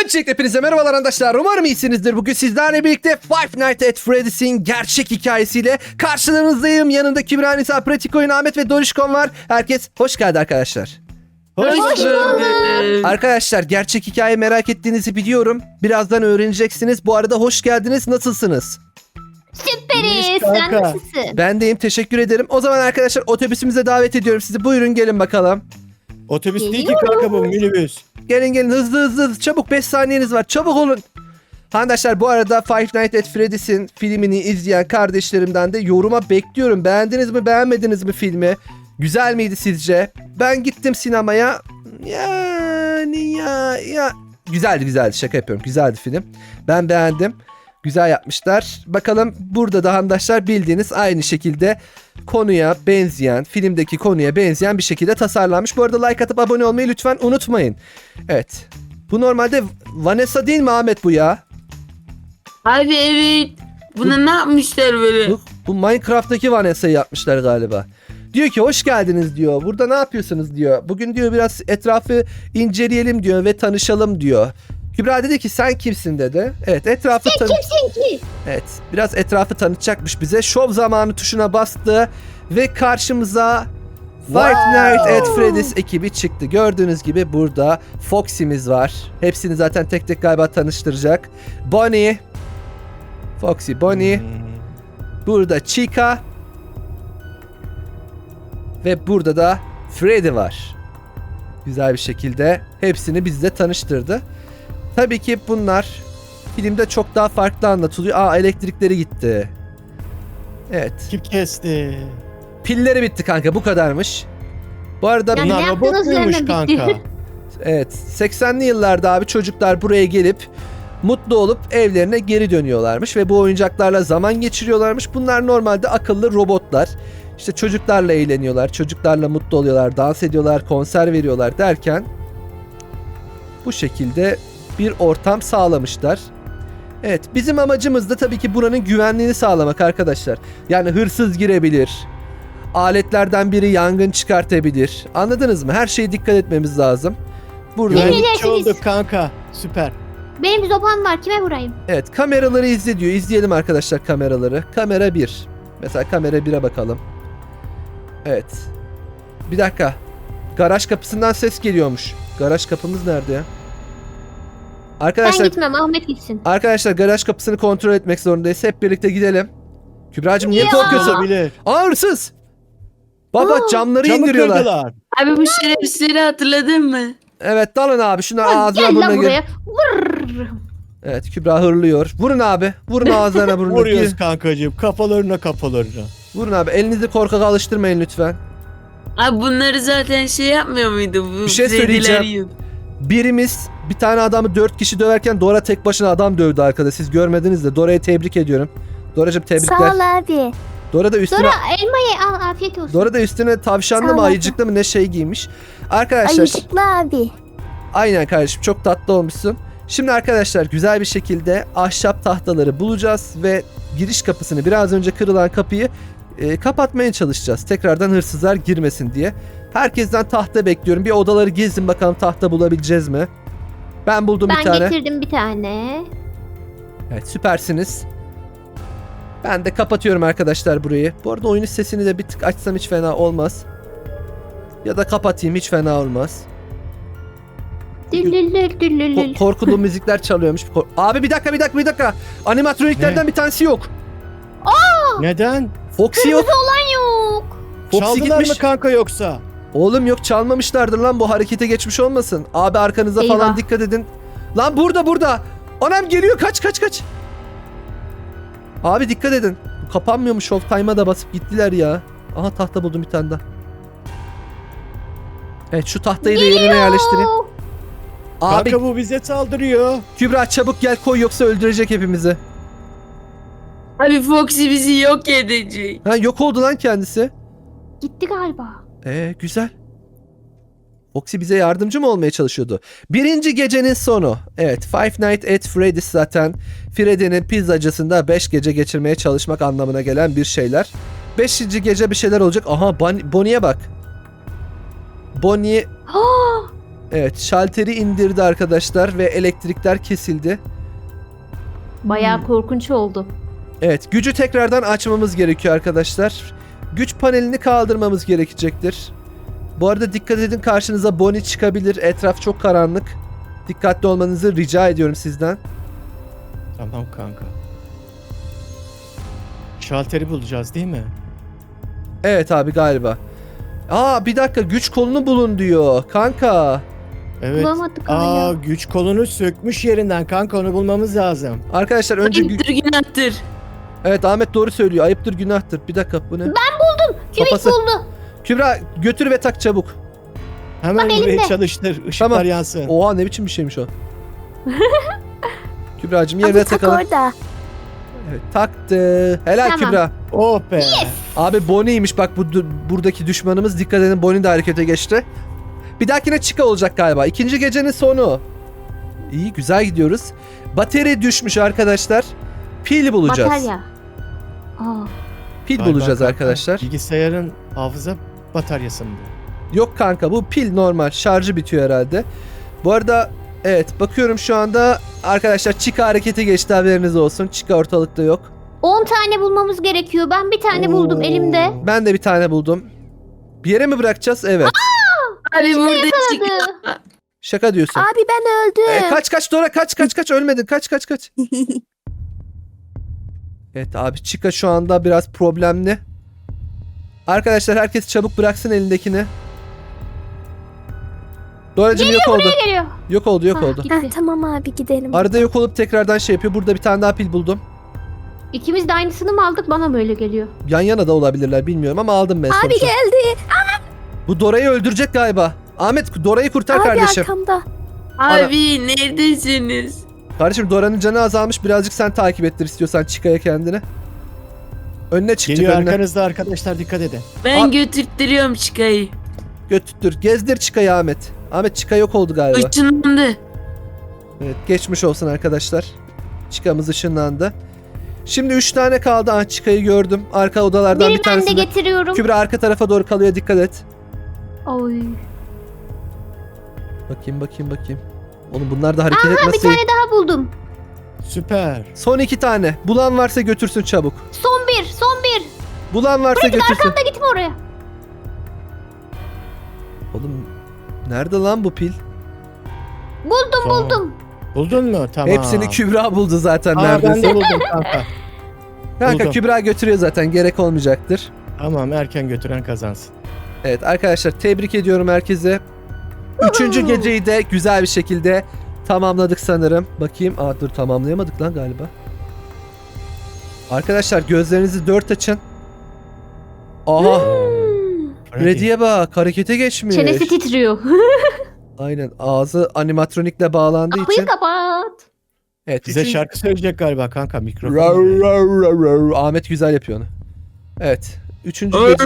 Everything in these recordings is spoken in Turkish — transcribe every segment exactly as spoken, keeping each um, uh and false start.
Öncelikle hepinize merhabalar arkadaşlar. Umarım iyisinizdir. Bugün sizlerle birlikte Five Nights at Freddy's'in gerçek hikayesiyle karşılarınızdayım. Yanında Kübra, Nisa, Pratik Oyun, Ahmet ve Dorişkon var. Herkes hoş geldi arkadaşlar. Hoş bulduk. Arkadaşlar gerçek hikaye merak ettiğinizi biliyorum. Birazdan öğreneceksiniz. Bu arada hoş geldiniz. Nasılsınız? Süperiz. Sen kanka. nasılsın? Ben deyim, teşekkür ederim. O zaman arkadaşlar otobüsümüze davet ediyorum sizi. Buyurun gelin bakalım. Otobüs değil ki kanka bu, minibüs. Gelin gelin hızlı hızlı hızlı. Çabuk, beş saniyeniz var. Çabuk olun. Arkadaşlar bu arada Five Nights at Freddy's'in filmini izleyen kardeşlerimden de yoruma bekliyorum. Beğendiniz mi, beğenmediniz mi filmi? Güzel miydi sizce? Ben gittim sinemaya. Yani ya ya güzeldi güzeldi, şaka yapıyorum. Güzeldi film. Ben beğendim. Güzel yapmışlar. Bakalım burada da arkadaşlar bildiğiniz aynı şekilde konuya benzeyen, filmdeki konuya benzeyen bir şekilde tasarlanmış. Bu arada like atıp abone olmayı lütfen unutmayın. Evet. Bu normalde Vanessa değil mi Ahmet bu ya? Abi evet. Buna ne yapmışlar böyle? Bu, bu Minecraft'taki Vanessa'yı yapmışlar galiba. Diyor ki hoş geldiniz diyor. Burada ne yapıyorsunuz diyor. Bugün diyor biraz etrafı inceleyelim diyor ve tanışalım diyor. Kübra dedi ki sen kimsin dedi. Evet, etrafı Sen tanı- kimsin ki? Evet, biraz etrafı tanıtacakmış bize. Şov zamanı tuşuna bastı ve karşımıza Five Nights at Freddy's ekibi çıktı. Gördüğünüz gibi burada Foxy'miz var. Hepsini zaten tek tek galiba tanıştıracak. Bonnie, Foxy, Bonnie, Hmm. burada Chica ve burada da Freddy var. Güzel bir şekilde hepsini bizle tanıştırdı. Tabii ki bunlar filmde çok daha farklı anlatılıyor. Aa, elektrikleri gitti. Evet. Kim kesti? Pilleri bitti kanka, bu kadarmış. Bu arada Yani Bunlar ne robot yaptığınız muymuş üzerine bitti. kanka? evet, seksenli yıllarda abi çocuklar buraya gelip mutlu olup evlerine geri dönüyorlarmış ve bu oyuncaklarla zaman geçiriyorlarmış. Bunlar normalde akıllı robotlar. İşte çocuklarla eğleniyorlar, çocuklarla mutlu oluyorlar, dans ediyorlar, konser veriyorlar derken bu şekilde bir ortam sağlamışlar. Evet, bizim amacımız da tabii ki buranın güvenliğini sağlamak arkadaşlar. Yani hırsız girebilir, aletlerden biri yangın çıkartabilir. Anladınız mı? Her şeye dikkat etmemiz lazım. Burada Yemin Güvenlikçi edersiniz. olduk kanka. Süper. Benim bir sopam var. Kime vurayım? evet, kameraları izle diyor. İzleyelim arkadaşlar kameraları. Kamera bir. Mesela kamera bire bakalım. Evet. Bir dakika. Garaj kapısından ses geliyormuş. Garaj kapımız nerede ya? Ben Arkadaşlar gitmem. Ahmet gitsin. Arkadaşlar garaj kapısını kontrol etmek zorundayız. Hep birlikte gidelim. Kübra'cığım niye Ya. korkuyorsun? Olabilir. Aa, hırsız! Baba Aa, camları Camı indiriyorlar. kırdılar. Abi bu şerefsizleri hatırladın mı? Evet, dalın abi. Şunlar Lan ağzına gel burnuna lan gir. buraya. Vurr. Evet, Kübra hırlıyor. Vurun abi. Vurun ağızlarına burnuna. Vuruyoruz Gir. kankacığım. Kafalarına kafalarına. Vurun abi. Elinizi korkaka alıştırmayın lütfen. Abi bunları zaten şey yapmıyor muydu? Bu Bir şey Freddy'ler söyleyeceğim. yiyor. Birimiz bir tane adamı dört kişi döverken Dora tek başına adam dövdü arkada. Siz görmediniz de. Dora'yı tebrik ediyorum. Dora'cığım tebrikler. Sağ ol abi. Dora da üstüne... Dora elmayı al. Afiyet olsun. Dora da üstüne tavşanlı Sağ mı ol abi. ayıcıklı mı ne şey giymiş. Arkadaşlar... Ayıcıklı abi. Aynen kardeşim, çok tatlı olmuşsun. Şimdi arkadaşlar güzel bir şekilde ahşap tahtaları bulacağız ve giriş kapısını, biraz önce kırılan kapıyı e, kapatmaya çalışacağız. Tekrardan hırsızlar girmesin diye. Herkesten tahta bekliyorum. Bir odaları gezin bakalım, tahta bulabileceğiz mi? Ben buldum bir Ben tane. getirdim bir tane. Evet, süpersiniz. Ben de kapatıyorum arkadaşlar burayı. Bu arada oyunun sesini de bir tık açsam hiç fena olmaz. Ya da kapatayım, hiç fena olmaz. Düllülül düllülül. Ko- korkulu müzikler çalıyormuş. Kor- Abi bir dakika bir dakika bir dakika. Animatroniklerden Ne? bir tanesi yok. Neden? Foxy yok. Olan yok. Foxy Çaldılar gitmiş. mı kanka yoksa? Oğlum yok, çalmamışlardır lan, bu harekete geçmiş olmasın. Abi arkanıza Eyvah. falan dikkat edin. Lan burada burada. Anam geliyor, kaç kaç kaç. Abi dikkat edin. Bu kapanmıyormuş, Showtime'a da basıp gittiler ya. Aha, tahta buldum bir tane daha. Evet, şu tahtayı da yerine yerleştireyim. Abi Kanka bu bize saldırıyor. Kübra çabuk gel, koy yoksa öldürecek hepimizi. Abi Foxy bizi yok edecek. Ha, yok oldu lan kendisi. Gitti galiba. Ee, güzel. Foxy bize yardımcı mı olmaya çalışıyordu? Birinci gecenin sonu. Evet, Five Nights at Freddy's zaten Freddy'nin pizzacısında beş gece geçirmeye çalışmak anlamına gelen bir şeyler. Beşinci gece bir şeyler olacak. Aha, Bon- Bonnie'ye bak. Bonnie... Ha! Evet, şalteri indirdi arkadaşlar ve elektrikler kesildi. Bayağı Hmm. korkunç oldu. Evet, gücü tekrardan açmamız gerekiyor arkadaşlar. Güç panelini kaldırmamız gerekecektir. Bu arada dikkat edin, karşınıza Bonnie çıkabilir. Etraf çok karanlık. Dikkatli olmanızı rica ediyorum sizden. Tamam kanka. Şalteri bulacağız değil mi? Evet abi galiba. Aa bir dakika, güç kolunu bulun diyor. Kanka. Evet. Bulamadık Aa hala. güç kolunu sökmüş yerinden kanka, onu bulmamız lazım. Arkadaşlar önce... gü- Ayıptır günahtır. Evet Ahmet doğru söylüyor. Ayıptır günahtır. Bir dakika bu ne? Kübik Kafası- buldu. Kübra götür ve tak çabuk. Hemen Bak burayı elimde. çalıştır. Işıklar Tamam. yansın. Oha ne biçim bir şeymiş o. Kübra'cığım yerine Abi tak takalım. orada. Evet, taktı. Helal Tamam. Kübra. Oh be. Abi Bonnie'ymiş bak bu du- buradaki düşmanımız. Dikkat edin, Bonnie de harekete geçti. Bir dahakine Chica olacak galiba. İkinci gecenin sonu. İyi, güzel gidiyoruz. Batarya düşmüş arkadaşlar. Pil bulacağız. Batarya. Aa. Pil Galiba bulacağız kanka, arkadaşlar. Bilgisayarın hafıza bataryası mı bu? Yok kanka, bu pil normal. Şarjı bitiyor herhalde. Bu arada evet bakıyorum şu anda arkadaşlar, Chica harekete geçti, haberiniz olsun. Chica ortalıkta yok. on tane bulmamız gerekiyor. Ben bir tane buldum Oo. elimde. Ben de bir tane buldum. Bir yere mi bırakacağız? Evet. Abi burada Hadi. çık. Şaka diyorsun. Abi ben öldüm. E, kaç kaç Dora, kaç kaç kaç, ölmedin, kaç kaç kaç. Evet abi, Chica şu anda biraz problemli. Arkadaşlar herkes çabuk bıraksın elindekini. Doracığım yok oldu. Geliyor. Yok oldu yok Ah, oldu. gitti. Heh, tamam abi gidelim. Arada yok olup tekrardan şey yapıyor. Burada bir tane daha pil buldum. İkimiz de aynısını mı aldık? Bana böyle geliyor. Yan yana da olabilirler bilmiyorum ama aldım ben Abi sonuçta. geldi. Bu Dora'yı öldürecek galiba. Ahmet Dora'yı kurtar Abi kardeşim. arkamda. Abi neredesiniz? Kardeşim Dora'nın canı azalmış, birazcık sen takip ettir istiyorsan Chica'ya kendini. Önüne çıkacak, Geliyor önüne. arkanızda arkadaşlar, dikkat edin. Ben Aa. götürttürüyorum çıkayı. Götür. Gezdir Chica'yı Ahmet. Ahmet Chica yok oldu galiba. Işınlandı. Evet, geçmiş olsun arkadaşlar. Chica'mız ışınlandı. Şimdi üç tane kaldı. Ah, Chica'yı gördüm. Arka odalardan Biri bir ben de tanesinde. getiriyorum. Kübra arka tarafa doğru kalıyor, dikkat et. Oy. Bakayım bakayım bakayım. Oğlum bunlar da hareket Bir etmezse. tane daha buldum. Süper. Son iki tane. Bulan varsa götürsün çabuk. Son bir. Son bir. Bulan varsa götürsün. Arkamda gitme oraya. Oğlum nerede lan bu pil? Buldum Tamam. buldum. Buldun mu? Tamam. Hepsini Kübra buldu zaten Aa, neredeyse. ben de buldum kanka. Kanka buldum. Kübra götürüyor zaten, gerek olmayacaktır. Tamam, erken götüren kazansın. Evet arkadaşlar, tebrik ediyorum herkese. Üçüncü geceyi de güzel bir şekilde tamamladık sanırım. Bakayım. Aa dur, tamamlayamadık lan galiba. Arkadaşlar gözlerinizi dört açın. Aha. Freddy. Freddy'ye bak, harekete geçmiş. Çenesi titriyor. Aynen, ağzı animatronikle bağlandığı Kapıyı için. kapat. Evet, Bize üçün- şarkı söyleyecek galiba kanka, mikrofon. Rav, rav, rav, rav. Ahmet güzel yapıyor onu. Evet. Üçüncü gece.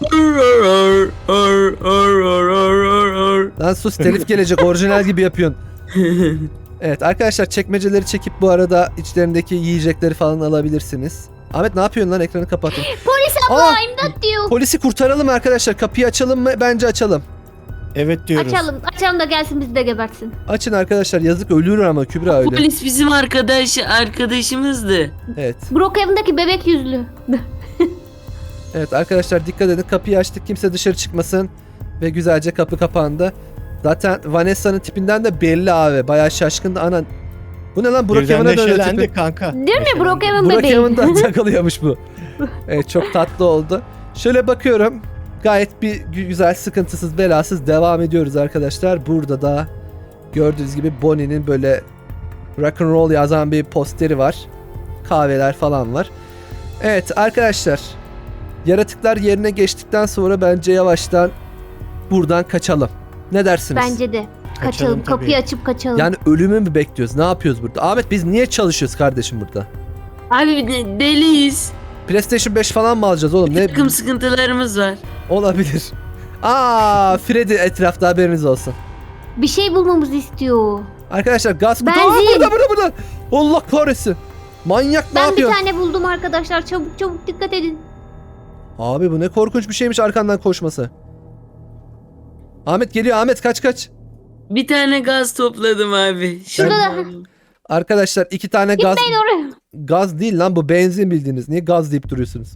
Lan sus, telif gelecek, orijinal gibi yapıyorsun. Evet arkadaşlar, çekmeceleri çekip bu arada içlerindeki yiyecekleri falan alabilirsiniz. Ahmet ne yapıyorsun lan, ekranı kapatın. Polis Aa, abla imdat diyor. polisi kurtaralım arkadaşlar, kapıyı açalım mı? Bence açalım. Evet diyoruz. Açalım. Açalım da gelsin bizi de gebertsin. Açın arkadaşlar, yazık, ölür ama Kübra öyle. Polis bizim arkadaş arkadaşımızdı. Evet. Brookhaven'daki bebek yüzlü. Evet arkadaşlar dikkat edin, kapıyı açtık, kimse dışarı çıkmasın ve güzelce kapı kapandı. Zaten Vanessa'nın tipinden de belli abi, bayağı şaşkındı. Anan, bu ne lan, Birden Brookhaven'a dönüyor neşelendi tipi. kanka. Değil mi? Neşelendi. Brookhaven bebeği. Brookhaven'da takılıyormuş bu. Evet, çok tatlı oldu. Şöyle bakıyorum, gayet bir gü- güzel, sıkıntısız, belasız devam ediyoruz arkadaşlar. Burada da gördüğünüz gibi Bonnie'nin böyle rock and roll yazan bir posteri var. Kahveler falan var. Evet arkadaşlar, yaratıklar yerine geçtikten sonra bence yavaştan buradan kaçalım. Ne dersiniz? Bence de. Kaçalım. Kaçalım tabii. Kapıyı açıp kaçalım. Yani ölümü mü bekliyoruz? Ne yapıyoruz burada? Ahmet biz niye çalışıyoruz kardeşim burada? Abi de- deliyiz. PlayStation beş falan mı alacağız oğlum? Bir Ne takım sıkıntılarımız var. olabilir? Aa, Freddy etrafta, haberiniz olsun. Bir şey bulmamızı istiyor. Arkadaşlar gaz kutu. Aa, Benzin. burada burada burada. Allah kahretsin. Manyak ne Ben bir yapıyor? tane buldum arkadaşlar. Çabuk çabuk dikkat edin. Abi bu ne korkunç bir şeymiş arkandan koşması. Ahmet geliyor, Ahmet kaç kaç. Bir tane gaz topladım abi. Şurada da. Arkadaşlar iki tane gaz Gitmeyin oraya. gaz değil lan bu benzin bildiğiniz. Niye gaz deyip duruyorsunuz?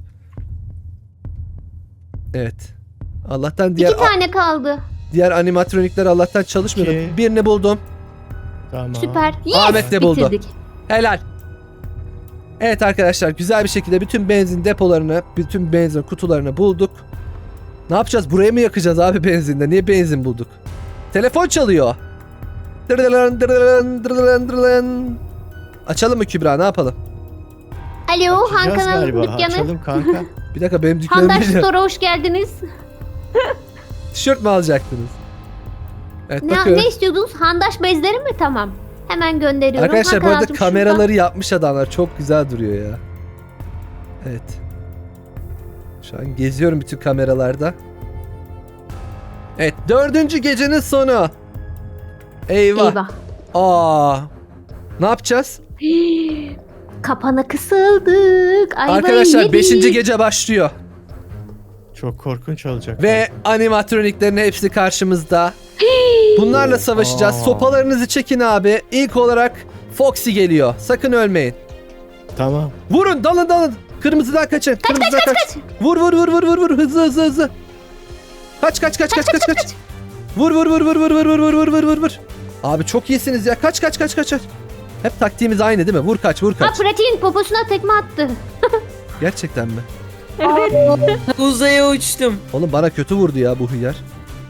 Evet. Allah'tan diğer İki tane kaldı. diğer animatronikler Allah'tan çalışmıyor. İki. Birini buldum. Tamam. Süper. Yes. Ahmet de buldu. Bitirdik. Helal. Evet arkadaşlar güzel bir şekilde bütün benzin depolarını, bütün benzin kutularını bulduk. Ne yapacağız? Buraya mı yakacağız abi benzinde? Niye benzin bulduk? Telefon çalıyor. Dırdılan, dırdılan, dırdılan, dırdılan. Açalım mı Kübra? Ne yapalım? Alo, Han Açacağız kanalın galiba. dükkanı. Açalım kanka. Bir dakika benim dükkanım Handaş değil. Store'a hoş geldiniz. Tişört mü alacaktınız? Evet Ne, bakıyorum. ne istiyordunuz? Handaş bezleri mi? Tamam. Hemen gönderiyorum. Arkadaşlar bu Han arada kanalcığım, kameraları yapmış adamlar. Çok güzel duruyor ya. Evet. Şu an geziyorum bütün kameralarda. Evet dördüncü gecenin sonu. Eyvah. şurada. Eyvah. Aa. Ne yapacağız? Kapana kısıldık. Ayvayı Arkadaşlar yedik. beşinci gece başlıyor. Çok korkunç olacak. Ve animatroniklerin hepsi karşımızda. Bunlarla savaşacağız. Aa. Sopalarınızı çekin abi. İlk olarak Foxy geliyor. Sakın ölmeyin. Tamam. Vurun dalın dalın. Kırmızıdan kaçın. Kırmızıdan kaç. Vur vur vur vur vur vur hızlı hızlı hızlı. Kaç kaç kaç kaç kaç kaç. Vur vur vur vur vur vur vur vur vur vur vur vur. Abi çok iyisiniz ya. Kaç kaç kaç kaç kaç. Hep taktiğimiz aynı değil mi? Vur kaç vur Ha kaç. pratiğin poposuna tekme attı. Gerçekten mi? Evet. Uzaya uçtum. Oğlum bana kötü vurdu ya bu hıyar.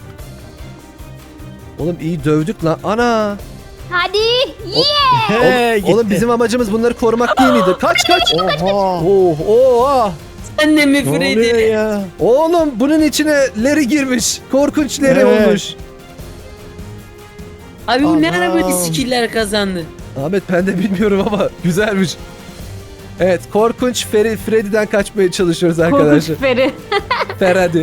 Oğlum iyi dövdük lan. Ana. Hadi. He, gitti. Oğlum bizim amacımız bunları korumak değil miydi? Kaç kaç. Oha. Oh oh. Sen de mi Ne oluyor Freddy? ya? Oğlum bunun içine leri girmiş. Korkunç leri Evet. olmuş. Abi bu ne ara Aman. böyle skiller kazandı? Ahmet ben de bilmiyorum ama güzelmiş. Evet korkunç Feri, Freddy'den kaçmaya çalışıyoruz arkadaşlar. Korkunç Feri. Ferhadi.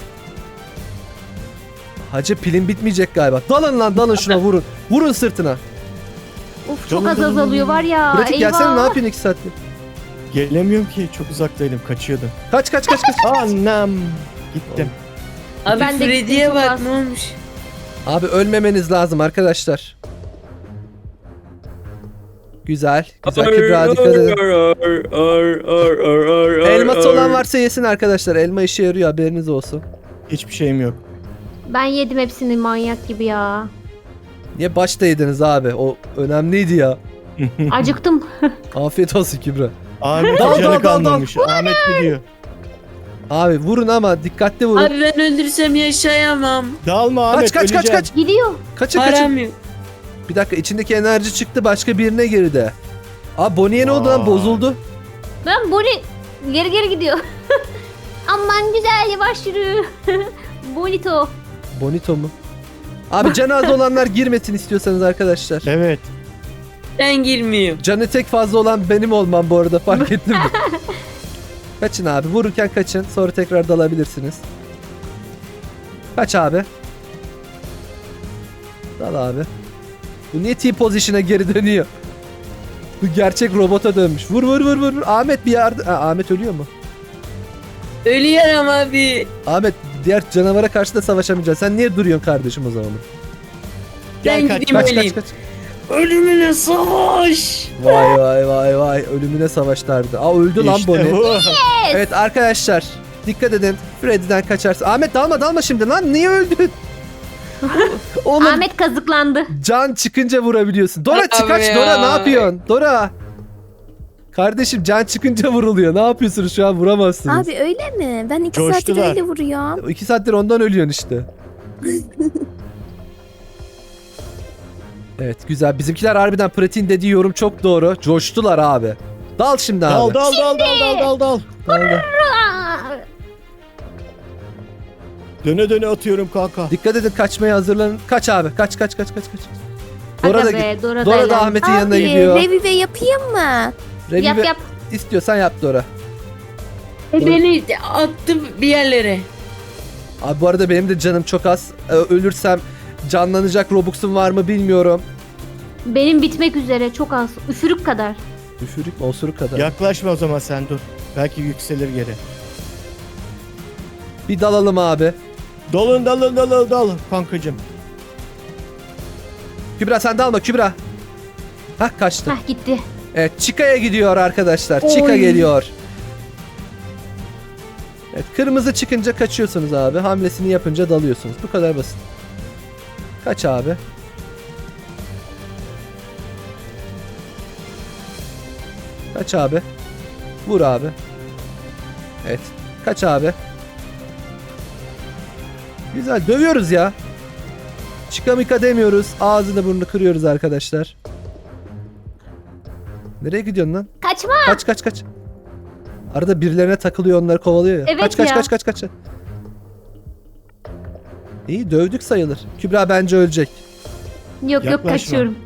Hacı pilin bitmeyecek galiba. Dalın lan dalın şuna vurun. Vurun sırtına. Of çok Canım, az canım, azalıyor var ya. Pratik Eyvah. gelsene ne yapıyorsun iki saattir? Gelemiyorum ki. Çok uzaktaydım. Kaçıyordum. Kaç kaç kaç kaç. Anam. Gittim. Abi Ben de Freddy'ye gittim, çok bak az. ne olmuş? Abi ölmemeniz lazım arkadaşlar. Güzel. Güzel Kübra dikkat edin. Elması olan varsa yesin arkadaşlar. Elma işe yarıyor haberiniz olsun. Hiçbir şeyim yok. Ben yedim hepsini manyak gibi ya. Niye başta yediniz abi? O önemliydi ya. Acıktım. Afiyet olsun Kübra. Ahmet Dal, dal, canı dal, kalmamış. Ahmet gidiyor. Abi vurun ama dikkatli vurun. Abi ben öldürsem yaşayamam. Dalma Ahmet. Kaç kaç kaç öleceğim. kaç. Gidiyor. Kaçın kaçın. Param yok. Bir dakika içindeki enerji çıktı başka birine girdi. Abi Bonnie'ye ne oldu lan Vay. bozuldu. Ben Bonnie geri geri gidiyor. Aman güzel yavaş yürü. Bonito. Bonito mu? Abi canı az olanlar girmesin istiyorsanız arkadaşlar. Evet. Ben girmiyorum. Canı tek fazla olan benim olmam bu arada fark ettin mi? Kaçın abi vururken kaçın sonra tekrar dalabilirsiniz. Kaç abi. Dal abi. Bu niye T-position'a geri dönüyor? Bu gerçek robota dönmüş. Vur vur vur vur. vur. Ahmet bir yardım. Ha, Ahmet ölüyor mu? Ölüyorum abi. Ahmet diğer canavara karşı da savaşamayacaksın. Sen niye duruyorsun kardeşim o zaman? Gel Ben kaç. gideyim Kaç öleyim. kaç kaç. Ölümüne savaş. Vay vay vay vay. Ölümüne savaşlardı. Aa öldü lan İşte Bonnie. bu. Evet arkadaşlar. Dikkat edin. Freddy'den kaçarsın. Ahmet dalma dalma şimdi lan. Niye öldün? Oğlum Ahmet kazıklandı. can çıkınca vurabiliyorsun. Dora Abi çık kaç. ya. Dora ne yapıyorsun? Dora. Kardeşim can çıkınca vuruluyor. Ne yapıyorsunuz şu an vuramazsınız. Abi öyle mi? Ben iki saattir Coştular. öyle vuruyorum. İki saattir ondan ölüyorsun işte. Evet güzel. Bizimkiler harbiden pratiğin dediği yorum çok doğru. Coştular abi. Dal şimdi abi. Dal dal dal dal dal dal dal. Dal, dal. Aa, Döne döne atıyorum kanka. Dikkat edin kaçmaya hazırlanın. Kaç abi. Kaç kaç kaç kaç kaç. Dora aga da be, git. Dora, Dora da eğlen. Ahmet'in yanına Abi gidiyor. revive yapayım mı? Revive Yap yap. istiyorsan yap Dora. E, Beni attı bir yerlere. Abi bu arada benim de canım çok az. Ee, Ölürsem canlanacak Robux'um var mı bilmiyorum. Benim bitmek üzere çok az. Üfürük kadar. Üfürük mü osuruk kadar. Yaklaşma o zaman sen dur. Belki yükselir geri. Bir dalalım abi. Dalın dalın dalın dalın kankacım. Kübra sen de alma Kübra. Hah kaçtı. Hah gitti. Evet Chicka'ya gidiyor arkadaşlar. Chica Oy. geliyor. Evet kırmızı çıkınca kaçıyorsunuz abi. Hamlesini yapınca dalıyorsunuz. Bu kadar basit. Kaç abi. Kaç abi. Vur abi. Evet. Kaç abi. Güzel dövüyoruz ya. Chica mika demiyoruz. Ağzını burnunu kırıyoruz arkadaşlar. Nereye gidiyorsun lan? Kaçma. Kaç kaç kaç. Arada birilerine takılıyor onları kovalıyor ya. Evet kaç kaç ya. kaç kaç kaç. İyi dövdük sayılır. Kübra bence ölecek. Yok yok Yaklaşma. kaçıyorum.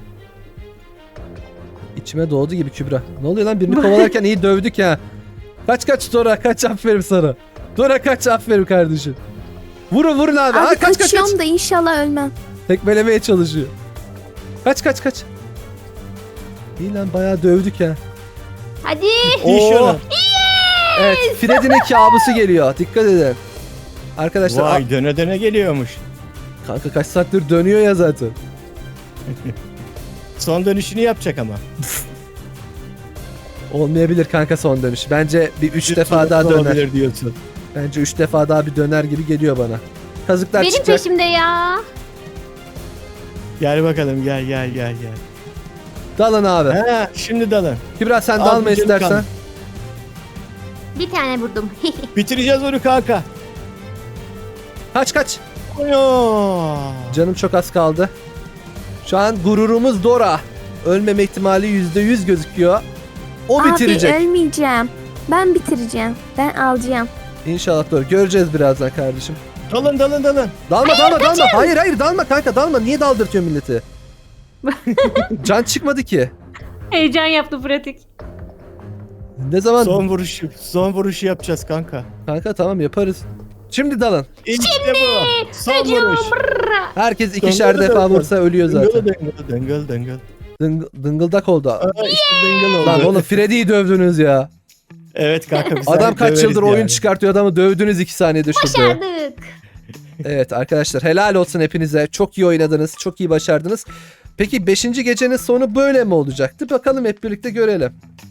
İçime doğdu gibi Kübra. Ne oluyor lan birini kovalarken iyi dövdük ya. Kaç kaç Dora kaç aferin sana. Dora kaç aferin kardeşim. Vurun vurun abi. Abi Aa, kaç kaç kaçıyorum kaç. da inşallah ölmem. Tekmelemeye çalışıyor. Kaç kaç kaç. İyi lan bayağı dövdük ya. Hadi. İyi Oo. şunu. Evet Freddy'nin kabusu geliyor. Dikkat edin. Arkadaşlar Vay döne döne geliyormuş. a- kanka kaç saattir dönüyor ya zaten. Son dönüşünü yapacak ama. Olmayabilir kanka son dönüş. Bence bir üç Bir defa tur daha döner. olabilir diyorsun. Bence üç defa daha bir döner gibi geliyor bana. Kazıklar Benim çıkacak. peşimde ya. Gel bakalım gel gel gel gel. Dalın abi. Ha, şimdi dalın. Kübra sen Abi dalma canım istersen. kaldı. Bir tane vurdum. Bitireceğiz onu kanka. Kaç kaç. Oyo. Canım çok az kaldı. Şu an gururumuz Dora. Ölmeme ihtimali yüzde yüz gözüküyor. O bitirecek. Abi ölmeyeceğim. Ben bitireceğim. Ben alacağım. İnşallah Dora. Göreceğiz birazdan kardeşim. Dalın dalın dalın. Dalma dalma dalma. Hayır hayır dalma kanka dalma. Niye daldırtıyor milleti? Can çıkmadı ki. Heyecan yaptı pratik. Ne zaman? Son vuruşu. Son vuruşu yapacağız kanka. Kanka tamam yaparız. Şimdi dalın. İşte bu. Son vuruş. Herkes ikişer Döngül defa döngül. vursa ölüyor zaten. Dıngıl dıngıl dıngıl dıngıl. Dıng- dıngıldak oldu. Aa, işte dıngıl oldu. Lan oğlum Freddy'yi dövdünüz ya. Evet kanka biz Adam seni kaç döveriz yıldır oyun yani. çıkartıyor adamı dövdünüz iki saniyede şurada. Başardık. Evet arkadaşlar helal olsun hepinize. Çok iyi oynadınız. Çok iyi başardınız. Peki beşinci gecenin sonu böyle mi olacaktı? Bakalım hep birlikte görelim.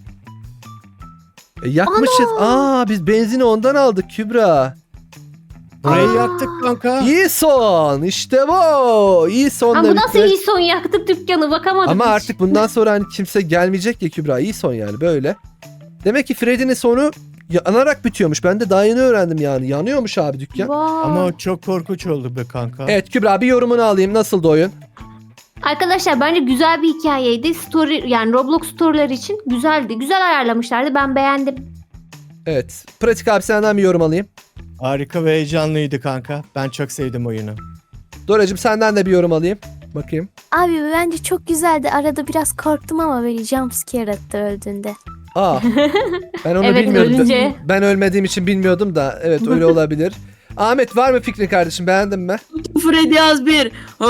E, yakmışız. Aa biz benzini ondan aldık Kübra. Burayı Aa. yaktık kanka. İyi son. İşte bu. İyi sonla Ama bu nasıl bitti. iyi son yaktık dükkanı bakamadım Ama hiç. artık bundan sonra hani kimse gelmeyecek ya Kübra. İyi son yani böyle. Demek ki Freddy'nin sonu yanarak bitiyormuş. Ben de daha yeni öğrendim yani. Yanıyormuş abi dükkan. Vay. Ama o çok korkunç oldu be kanka. Evet Kübra bir yorumunu alayım. Nasıldı oyun? Arkadaşlar bence güzel bir hikayeydi. Story yani Roblox story'ler için güzeldi. Güzel ayarlamışlardı. Ben beğendim. Evet. Pratik abi senden bir yorum alayım. Harika ve heyecanlıydı kanka. Ben çok sevdim oyunu. Doracığım senden de bir yorum alayım. Bakayım. Abi bence çok güzeldi. Arada biraz korktum ama böyle jumpscare attı öldüğünde. Aa. Ben onu Evet, bilmiyordum. ölünce. Ben ölmediğim için bilmiyordum da. Evet öyle olabilir. Ahmet var mı fikrin kardeşim? Beğendin mi? Freddy Azbir.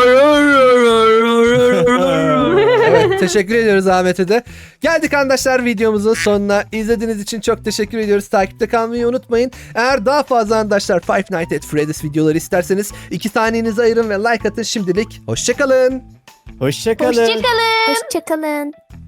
Evet teşekkür ediyoruz Ahmet'e de. Geldik arkadaşlar videomuzun sonuna. İzlediğiniz için çok teşekkür ediyoruz. Takipte kalmayı unutmayın. Eğer daha fazla arkadaşlar Five Nights at Freddy's videoları isterseniz iki saniyenizi ayırın ve like atın şimdilik. Hoşçakalın. Hoşçakalın. Hoşçakalın. Hoşçakalın.